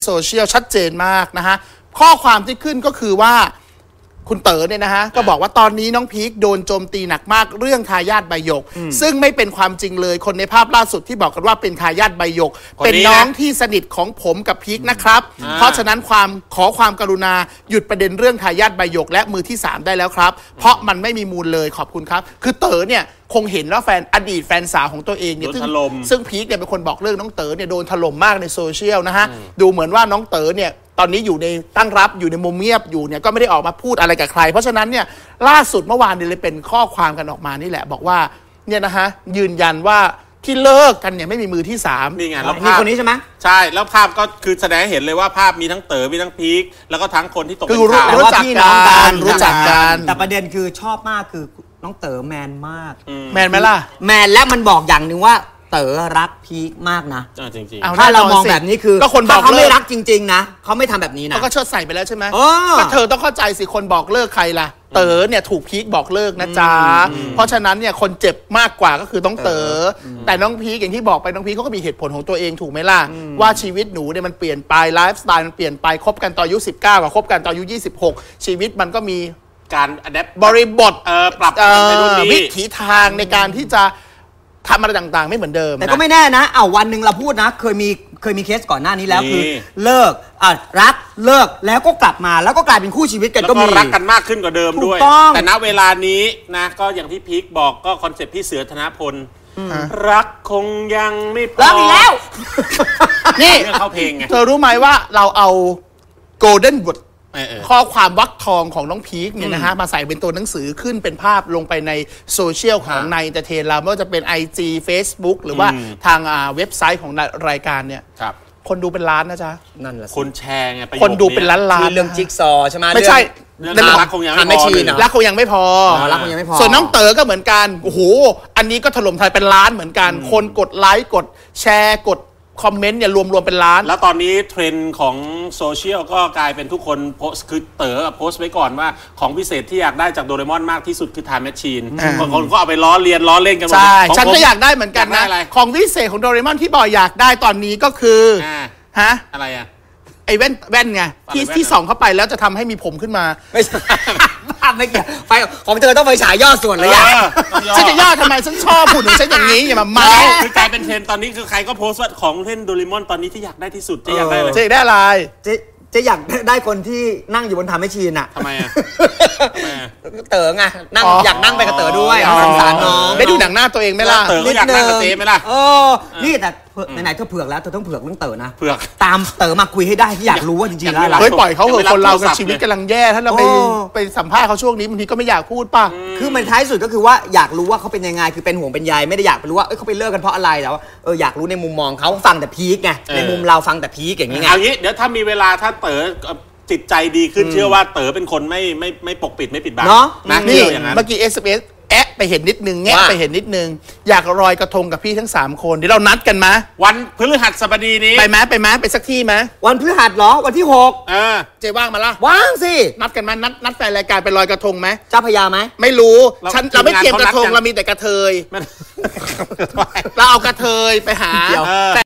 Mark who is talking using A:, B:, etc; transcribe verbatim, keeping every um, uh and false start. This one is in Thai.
A: โซเชียลชัดเจนมากนะฮะข้อความที่ขึ้นก็คือว่าคุณเต๋อเนี่ยนะฮะก็บอกว่าตอนนี้น้องพีคโดนโจมตีหนักมากเรื่องทายาทใบหยกซึ่งไม่เป็นความจริงเลยคนในภาพล่าสุดที่บอกกันว่าเป็นทายาทใบหยกเป็นน้องที่สนิทของผมกับพีคนะครับเพราะฉะนั้นความขอความกรุณาหยุดประเด็นเรื่องทายาทใบหยกและมือที่สามได้แล้วครับเพราะมันไม่มีมูลเลยขอบคุณครับคือเต๋อเนี่ยคงเห็นว่าแฟนอดีตแฟนสาวของตัวเองเนี่ยซึ่งซึ่งพีคเนี่ยเป็นคนบอกเรื่องน้องเต๋อเนี่ยโดนถล่มมากในโซเชียลนะฮะดูเหมือนว่าน้องเต๋อเนี่ยตอนนี้อยู่ในตั้งรับอยู่ในมุมเงียบอยู่เนี่ยก็ไม่ได้ออกมาพูดอะไรกับใครเพราะฉะนั้นเนี่ยล่าสุดเมื่อวานเนี่ยเลยเป็นข้อความกันออกมานี่แหละบอกว่าเนี่ยนะฮะยืนยันว่าที่เลิกกันเนี่ยไม่มีมือที่สาม
B: นี่ไงแล้ว
C: ภาพคนนี้ใช่ไหม
B: ใช่แล้วภาพก็คือแสดงให้เห็นเลยว่าภาพมีทั้งเต๋อมีทั้งพีคแล้วก็ทั้งคนที่ตกเป็นข่าว
A: รู้จักกันรู้จักกัน
C: แต่ประเด็นคือชอบมากคือน้องเต๋อแมนมาก
A: แมนไหมล่ะ
C: แมนและมันบอกอย่างหนึ่งว่าเต๋อรักพีคมากนะ
B: จริง
C: ๆถ้าเรามองแบบนี้คือ
A: ก็คนบอก
C: เขาไม่รักจริงๆนะเขาไม่ทำแบบนี้นะ
A: เขาก็เชิดใส่ไปแล้วใช่ไหมก็เธอต้องเข้าใจสิคนบอกเลิกใครล่ะเต๋อเนี่ยถูกพีคบอกเลิกนะจ๊ะเพราะฉะนั้นเนี่ยคนเจ็บมากกว่าก็คือต้องเต๋อแต่น้องพีคอย่างที่บอกไปน้องพีคเขาก็มีเหตุผลของตัวเองถูกไหมล่ะว่าชีวิตหนูเนี่ยมันเปลี่ยนไปไลฟ์สไตล์มันเปลี่ยนไปคบกันตอนอายุสิบเก้ากับคบกันตอนอายุยี่สิบหกชีวิตมันก็มี
B: การอะแดป
A: บริบท
B: เออปรับในรุ่นนี้
A: วิถีทางในการที่จะทำอะไรต่างๆไม่เหมือนเดิม
C: แต่ก็ไม่แน่นะเอาวันหนึ่งเราพูดนะเคยมีเคยมีเคสก่อนหน้านี้แล้วคือเลิกอ่ะรักเลิกแล้วก็กลับมาแล้วก็กลายเป็นคู่ชีวิตกันก็มี
B: รักกันมากขึ้นกว่าเดิมด้วยแต่ณเวลานี้นะก็อย่างที่พีคบอกก็คอนเซ็ปต์พี่เสือธนพลรักคงยังไม่พอ
C: รักอีกแล้ว
A: นี่
B: เข้าเพลงไง
A: เธอรู้ไหมว่าเราเอาโกลเด้นบทข้อความวรรคทองของน้องพีคเนี่ยนะฮะมาใส่เป็นตัวหนังสือขึ้นเป็นภาพลงไปในโซเชียลของในเอนเตอร์เทนเราไม่ว่าจะเป็น ไอ จี Facebook หรือว่าทางเว็บไซต์ของรายการเนี่ยคนดูเป็นล้านนะจ๊ะ
C: นั่นแหละ
B: คนแชร์ไง
A: คนดูเป็นล้านล้าน
C: เรื่องจิ๊กซอใช่ไหม
A: ไม่ใช่
B: รักคงยังไม่พอ
A: รักคงยังไม่พอ
C: รักคงยังไม่พอ
A: ส่วนน้องเต๋อก็เหมือนกันโอ้โหอันนี้ก็ถล่มไทยเป็นล้านเหมือนกันคนกดไลค์กดแชร์กดคอมเมนต์เนี่ยรวมๆเป็นล้าน
B: แล้วตอนนี้เทรนด์ของโซเชียลก็กลายเป็นทุกคนโพสคือเต๋อโพสไว้ก่อนว่าของพิเศษที่อยากได้จากโดเรมอนมากที่สุดคือ Time Machine บางคนก็เอาไปล้อเลียนล้อเล่นกันหมด
A: ใช่ฉันก็อยากได้เหมือนกันนะของพิเศษของโดเรมอนที่บอกอยากได้ตอนนี้ก็คือฮะ
B: อะไรอะ
A: ไอ้แว่นแว่นไงที่ที่ส่องเข้าไปแล้วจะทำให้มีผมขึ้นมา
C: ไม่ใช่ไม่เกี่ยวไฟของเธอต้องไฟฉายย่อส่วนเลยอ่ะ
A: ฉันจะย่อทำไมฉันชอบพูดถึงฉันอย่างนี้อย่ามาเมา
B: คือกลายเป็นเทรนด์ตอนนี้คือใครก็โพสต์ว่าของเล่นโดเรมอนตอนนี้ที่อยากได้ที่สุดจะอยากได้อะไร
A: จะได้อะไร
C: จะจะอยากได้คนที่นั่งอยู่บนทำให้ชีนอ่ะ
B: ทำไมอ่ะ
C: เต๋อไงนั่งอยากนั่งไปกับเต๋อด้วยสงสารน้อง
A: ได้ดูหนังหน้าตัวเองไหมล่ะ
B: เต๋อก็อยากนั่งกับเจ๊ไหมล่ะ
C: เออนี่แต่ไหนๆเธอเผือกแล้วเธอต้องเผือกเรื่องเต๋อนะ
B: เผือก
C: ตามเต๋อมาคุยให้ได้ที่อยากรู้ว่าจริงๆแล้ว
A: เฮ้ยปล่อยเขาเหอะคนเรากับชีวิตกำลังแย่ถ้าเราไปไปสัมภาษณ์เขาช่วงนี้บางทีก็ไม่อยากพูดป่ะ
C: คือมันท้ายสุดก็คือว่าอยากรู้ว่าเขาเป็นยังไงคือเป็นห่วงเป็นใยไม่ได้อยากไปรู้ว่าเอ้ยเขาไปเลิกกันเพราะอะไรแต่ว่าเอออยากรู้ในมุมมองเขาฟังแต่พีคไงในมุมเราฟังแต่พีคอย่างนี้ไง
B: เอางี้เดี๋ยวถ้ามีเวลาถ้าเต๋อจิตใจดีขึ้นเชื่อว่าเต๋อเป็นคนไม่ไม่ไม่ปกปิดไม่ปิดบัง
C: เนาะ
A: นี่เมื่อกี้ เอส เอ็ม เอส แอะไปเห็นนิดนึงแงะไปเห็นนิดนึงอยากลอยกระทงกับพี่ทั้งสามคนเดี๋ยวเรานัดกันมา
B: วันพฤหัสบดีนี้
A: ไปไหมไปไหมไปสักที่ไหม
C: วันพฤหัสเหรอวันที่หก
B: เออ
A: เจ๊ว่างมาละ
C: ว่างสิ
A: นัดกันมานัดนัดแฟนรายการไปลอยกระทงไหม
C: เจ้าพญาไหม
A: ไม่รู้ฉันเราไม่เตรียมกระทงเรามีแต่กระเทยเราเอากระเทยไปหา